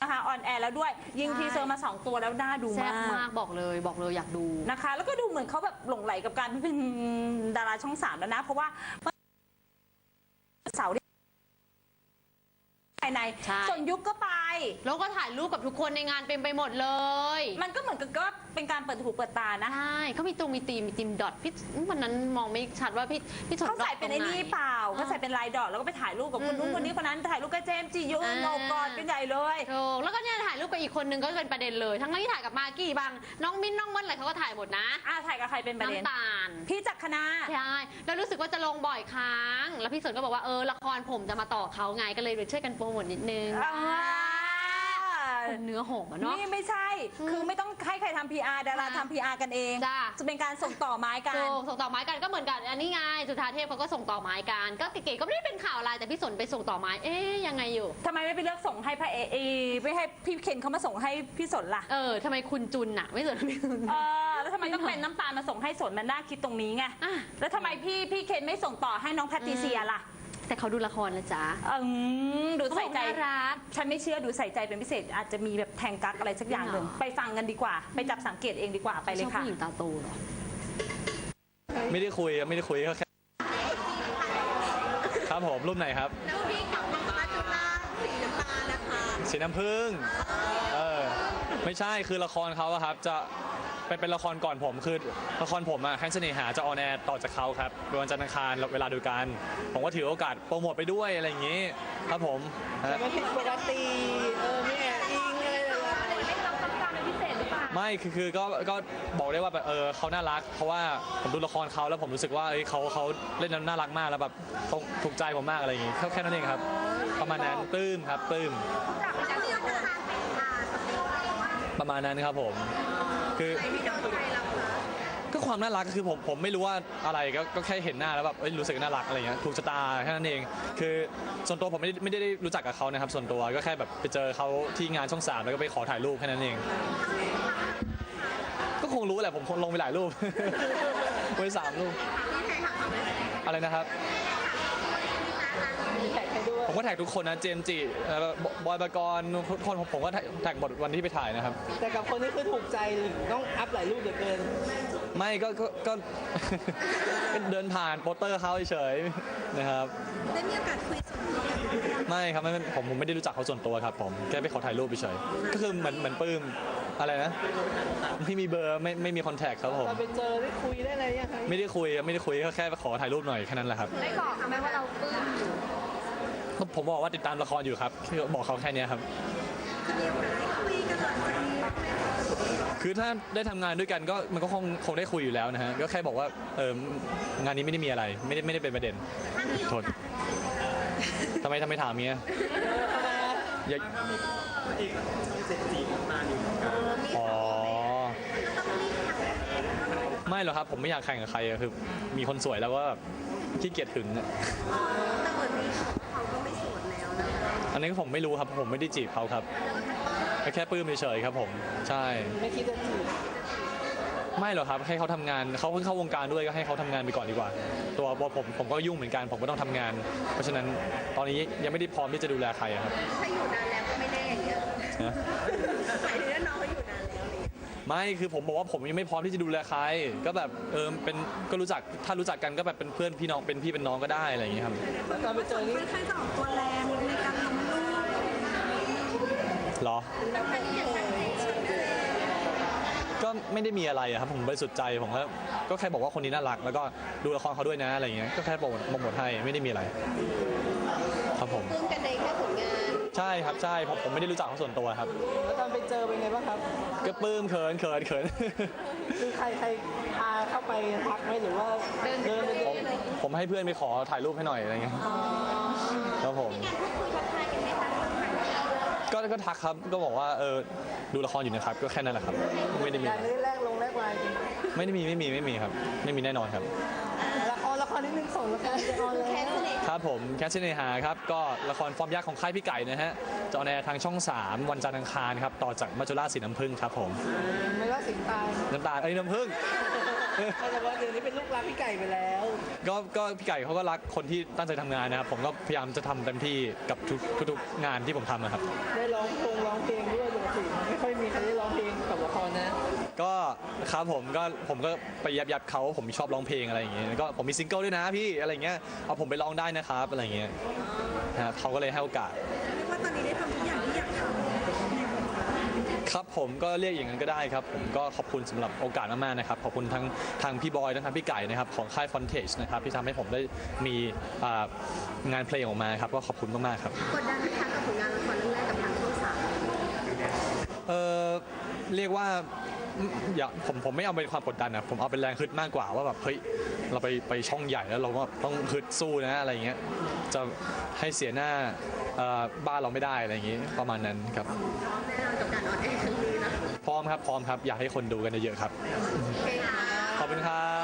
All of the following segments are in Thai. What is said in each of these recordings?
นะคะออนแอร์แล้วด้วยยิงทีเซอร์มา2ตัวแล้วน่าดูมากแซ่บมากบอกเลยอยากดูนะคะแล้วก็ดูเหมือนเขาแบบหลงไหลกับการเป็นดาราช่อง3แล้วนะเพราะว่าเสาร์ภายในส่วนยุคก็ไปแล้วก็ถ่ายรูปกับทุกคนในงานเต็มไปหมดเลยมันก็เหมือนกับก็เป็นการเปิดหูเปิดตานะใช่เขามีทีมดอทพี่วันนั้นมองไม่ชัดว่าพี่เขาใส่เป็นไอ้นี่เปล่าเขาใส่เป็นลายดอทแล้วก็ไปถ่ายรูปกับคนนู้นคนนี้คนนั้นถ่ายรูปกับเจมส์จิยุโนกอดเป็นใหญ่เลยแล้วก็เนี่ยถ่ายรูปกับอีกคนนึงก็เป็นประเด็นเลยทั้งที่ถ่ายกับมากกี้บางน้องมิ้นน้องเบิ้ลอะไรเขาก็ถ่ายหมดนะถ่ายกับใครเป็นประเด็นน้ำตาลพี่จักรคณาใช่แล้วรู้สึกว่าจะลงบ่อยครั้งแล้วพี่สนก็บอกว่าละครผมจะมาต่อเขาไงก็เลยช่วยกันโปรโมทนิดนึงเนื้อหอมเนาะนี่ไม่ใช่คือไม่ต้องให้ใครทำ PR ดาราทำ PR กันเองจะเป็นการส่งต่อไม้กันส่งต่อไม้กันก็เหมือนกันอันนี้ไงจุฑาเทพเขาก็ส่งต่อไม้กันก็เก๋ๆก็ไม่ได้เป็นข่าวอะไรแต่พี่สนไปส่งต่อไม้ยังไงอยู่ทำไมไม่ไปเลือกส่งให้พระไม่ให้พี่เคนเขามาส่งให้พี่สนล่ะทำไมคุณจุนน่ะไม่สนพี่จุนแล้วทำไมต้องเป็นน้ำตาลมาส่งให้สนมันน่าคิดตรงนี้ไงแล้วทำไมพี่เคนไม่ส่งต่อให้น้องแพทริเซียล่ะแต่เขาดูละครนะจ๊ะดูใส่ใจรักฉันไม่เชื่อดูใส่ใจเป็นพิเศษอาจจะมีแบบแทงกักอะไรสักอย่างหนึ่งไปฟังกันดีกว่าไปจับสังเกตเองดีกว่าไปเลยค่ะผู้หญิงตาโตเหรอไม่ได้คุยก็แค่ครับผมรูปไหนครับรูปที่กับมังกรจุฬาสีน้ำตาลนะคะสีน้ำผึ้งไม่ใช่คือละครเขาครับจะเป็นละครก่อนผมคือละครผมแค้นเสน่หาจะออนแอร์ต่อจากเขาครับวันจันทร์อังคารเวลาเดียวกันผมก็ถือโอกาสโปรโมทไปด้วยอะไรอย่างนี้ครับผมแต่มันผิดปกติไม่แอบอิงอะไรเลยไม่รับคำสั่งเป็นพิเศษหรือเปล่าไม่คือก็บอกได้ว่าแบบเขาน่ารักเพราะว่าผมดูละครเขาแล้วผมรู้สึกว่าเขาเล่นน่ารักมากแล้วแบบถูกใจผมมากอะไรอย่างนี้แค่นั้นเองครับประมาณนั้นปลื้มครับปลื้มประมาณนั้นครับผมคือก็ความน่ารักคือผมไม่รู้ว่าอะไรก็แค่เห็นหน้าแล้วแบบรู้สึกน่ารักอะไรเงี้ยถูกชะตาแค่นั้นเองคือส่วนตัวผมไม่ได้รู้จักกับเขานะครับส่วนตัวก็แค่แบบไปเจอเขาที่งานช่อง3แล้วก็ไปขอถ่ายรูปแค่นั้นเองก็คงรู้แหละผมคงลงไปหลายรูปไป3 รูปอะไรนะครับผมก็แท็กทุกคนนะเจมส์จิบอยปกรณ์ทุกคนผมก็แท็กหมดวันที่ไปถ่ายนะครับแต่กับคนนี้คือถูกใจต้องอัพหลายรูปเหลือเกินไม่ก็เดินผ่านโปสเตอร์เขาเฉยนะครับได้มีโอกาสคุยส่วนตัวไม่ครับผมไม่ได้รู้จักเขาส่วนตัวครับผมแค่ไปขอถ่ายรูปเฉยก็คือเหมือนปลื้มอะไรนะไม่มีเบอร์ไม่มีคอนแทคครับผมไปเจอได้คุยได้อะไรยังไงไม่ได้คุยก็แค่ไปขอถ่ายรูปหน่อยแค่นั้นแหละครับได้บอกไหมว่าเราปลื้มอยู่ผมบอกว่าติดตามละครอยู่ครับบอกเขาแค่นี้ครับคือถ้าได้ทำงานด้วยกันก็มันก็คงได้คุยอยู่แล้วนะฮะก็แค่บอกว่างานนี้ไม่ได้มีอะไรไม่ได้เป็นประเด็นโทษทำไมถามเงี้ยอย่าอ๋อไม่หรอกครับผมไม่อยากแข่งกับใครคือมีคนสวยแล้วก็แบบขี้เกียจหึงอ่ะแต่เหมือนเขาก็ไม่โสดแล้วนะอันนี้ผมไม่รู้ครับผมไม่ได้จีบเขาครับแค่ปลื้มเฉยๆครับผมใช่ไม่คิดจะจีบไม่หรอกครับให้เขาทำงานเขาเพิ่งเข้าวงการด้วยก็ให้เขาทำงานไปก่อนดีกว่าตัวผมก็ยุ่งเหมือนกันผมก็ต้องทำงานเพราะฉะนั้นตอนนี้ยังไม่ได้พร้อมที่จะดูแลใครครับถ้าอยู่นานแล้วก็ไม่แน่อย่างเงี้ยหมายถึงว่าน้องเขาอยู่นานแล้วไม่คือผมบอกว่าผมยังไม่พร้อมที่จะดูแลใครก็แบบเป็นก็รู้จักถ้ารู้จักกันก็แบบเป็นเพื่อนพี่น้องเป็นพี่เป็นน้องก็ได้อะไรอย่างเงี้ยครับแล้วตอนไปเจอนี่ใครจะออกตัวแรงในการลงรูปหรอก็ไม่ได้มีอะไรครับผมบริสุทธิ์ใจผมก็แค่บอกว่าคนนี้น่ารักแล้วก็ดูละครเขาด้วยนะอะไรอย่างเงี้ยก็แค่โปรโมทให้ไม่ได้มีอะไรครับผมปลื้มกันในแค่ผลงานใช่ครับใช่ผมไม่ได้รู้จักเขาส่วนตัวครับแล้วตอนไปเจอเป็นไงบ้างครับก็ปลื้มเขินคือใครพาเข้าไปทักไหมหรือว่าเดินไปผมให้เพื่อนไปขอถ่ายรูปให้หน่อยอะไรเงี้ยครับผมก็ทักครับก็บอกว่าดูละครอยู่นะครับก็แค่นั้นแหละครับไม่ได้มีแรกไลน์ไม่ได้มีครับไม่มีแน่นอนครับละครนิดนึงส่งละครจะออนแล้วครับผมแคสเนหาครับก็ละครฟอร์มยักษ์ของค่ายพี่ไก่นะฮะจะออนแอร์ทางช่อง3วันจันทร์อังคารครับต่อจากมัจจุราชสีน้ำผึ้งครับผมไม่ว่าสีน้ำตาลน้ำผึ้งแต่ว่าเดี๋ยวนี้เป็นลูกรักพี่ไก่ไปแล้วก็พี่ไก่เขาก็รักคนที่ตั้งใจทำงานนะครับผมก็พยายามจะทำเต็มที่กับทุกงานที่ผมทำนะครับได้ร้องเพลงด้วยปกติไม่ค่อยมีใครได้ร้องเพลงกับละครนะก็ครับผมก็ไปยับเขาผมชอบร้องเพลงอะไรอย่างเงี้ยก็ผมมีซิงเกิลด้วยนะพี่อะไรเงี้ยเอาผมไปร้องได้นะครับอะไรเงี้ยนะครับเขาก็เลยให้โอกาสว่าตอนนี้ได้ทำทุกอย่างที่อยากทำครับผมก็เรียกอย่างนั้นก็ได้ครับผมก็ขอบคุณสำหรับโอกาสมากๆนะครับขอบคุณทางพี่บอยทั้งพี่ไก่นะครับของค่าย Frontage นะครับที่ทำให้ผมได้มีงานเพลงออกมาครับก็ขอบคุณมากๆครับกดดันไหมคะกับผลงานละครเรื่องแรกกับทางช่องสามเรียกว่าอย่าผมไม่เอาเป็นความกดดันนะผมเอาเป็นแรงฮึดมากกว่าว่าแบบเฮ้ยเราไปช่องใหญ่แล้วเราก็ต้องฮึดสู้นะอะไรเงี้ยจะให้เสียหน้าบ้านเราไม่ได้อะไรอย่างงี้ประมาณนั้นครับแน่นอนกับการออนแอร์ครั้งนี้นะพร้อมครับอยากให้คนดูกันเยอะๆครับโอเคค่ะขอบคุณครับ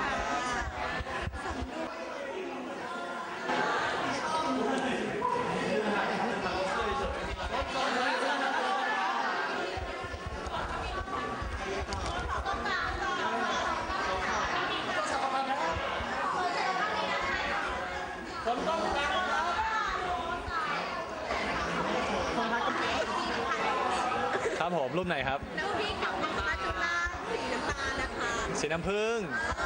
ครับผมรูปไหนครับแล้วพี่กับน้องมาจุฬาสีน้ำตาลนะคะสีน้ำผึ้ง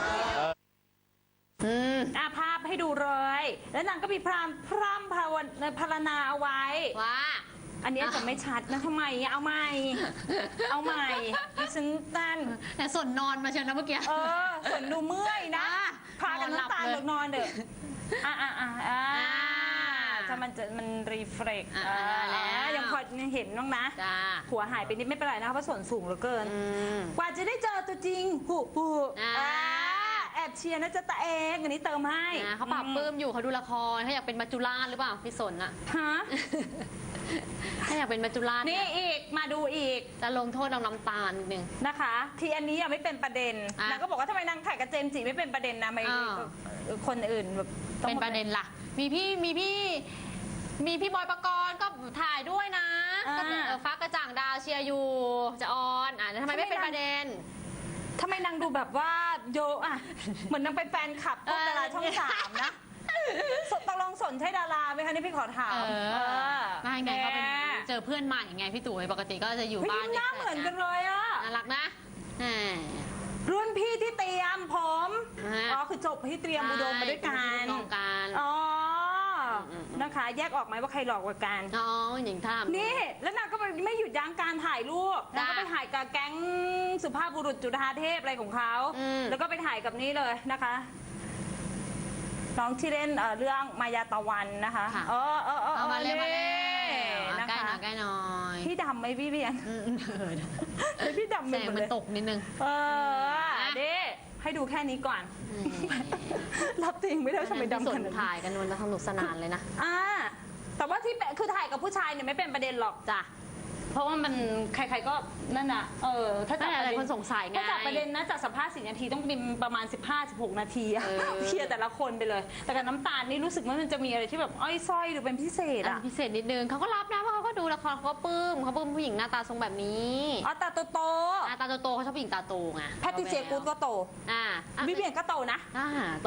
ภาพให้ดูเลย แล้วนางก็มีพร่ำภาวนาเอาไว้ว่าอันนี้จะไม่ชัดนะทำไมอะเอาใหม่ดิฉันนั่นแต่ส่วนนอนมาเชียวนะเมื่อกี้ส่วนดูเมื่อยนะ พากันน้ำตาลนอนเด้อถ้ามันรีเฟล็กยังพอเห็นน้องนะจ้าหัวหายไปนิดไม่เป็นไรนะคะเพราะส่วนสูงเหลือเกิน กว่าจะได้เจอตัวจริงแอบเชียร์นะจ๊ะตาเองอันนี้เติมให้เขาปรับปลื้มอยู่เขาดูละครเขาอยากเป็นมัจจุราชหรือเปล่าพี่สนอะฮะถ้าอยากเป็นมัจจุราชนี่อีกมาดูอีกจะลงโทษเอาน้ำตาลนิดนึงนะคะ ที่อันนี้ยังไม่เป็นประเด็นอ่ะนางก็บอกว่าทำไมนางถ่ายกับเจมส์จิไม่เป็นประเด็นนะไม่อ้าวคนอื่นแบบต้องเป็นประเด็นล่ะ มีพี่บอยปกรณ์ก็ถ่ายด้วยนะก็ฟ้ากระจ่างดาวเชียร์อยู่จะออนแล้วทำไมไม่เป็นประเด็นทำไมนางดูแบบว่าเยอะอะเหมือนนางเป็นแฟนคลับพวกดาราช่องสามนะตกลงสนใช่ดาราไหมคะนี่พี่ขอถามไม่ไงเขาเป็นเจอเพื่อนใหม่ไงพี่ตู่ปกติก็จะอยู่เฮ้ยบ้านหน้าเหมือนกันเลยอะน่ารักนะรุ่นพี่ที่เตรียมผมอ่าอ๋อคือจบที่เตรียมอุดมมาด้วยกันกองการอ๋อนะคะ แยกออกไหมว่าใครหลอกกว่ากันน้องหญิงท่ามนี่แล้วนางก็ไม่หยุดยั้งการถ่ายรูปนางก็ไปถ่ายกับแก๊งสุภาพบุรุษจุฑาเทพอะไรของเขาแล้วก็ไปถ่ายกับนี้เลยนะคะน้องที่เล่นเรื่องมายาตะวันนะคะเอามาเลยนะใกล้คะหน่อยใกล้หน่อยพี่ดำไหมพี่เบียงพี่ดำแสงมันตกนิดนึงเด้ให้ดูแค่นี้ก่อน รับจริงไม่ได้ทำไมดำส่ขวนนาดนั้นถ่ายกันวันละสนุกสนานเลยนะแต่ว่าที่คือถ่ายกับผู้ชายเนี่ยไม่เป็นประเด็นหรอกจ้ะเพราะว่ามันใครๆก็นั่นน่ะถ้าจับแต่ประหลายเด็นคนสงสัยไงถ้าจับประเด็นนะจากสัมภาษณ์4 นาทีต้องเป็นประมาณ 15-16 นาทีอะเออเคลียร์แต่ละคนไปเลย แต่กับน้ำตาลนี่รู้สึกว่ามันจะมีอะไรที่แบบอ้อยส้อยหรือเป็นพิเศษอะพิเศษนิดนึงเขาก็รับนะเพราะเขาก็ดูละครเขาก็ปลื้มเขาปลื้มผู้หญิงหน้าตาทรงแบบนี้ตาโตหน้าตาโตๆเขาชอบผู้หญิงตาโตไงแพทติเซียกูดก็โตอ่าวิเวียนก็โตนะอ่า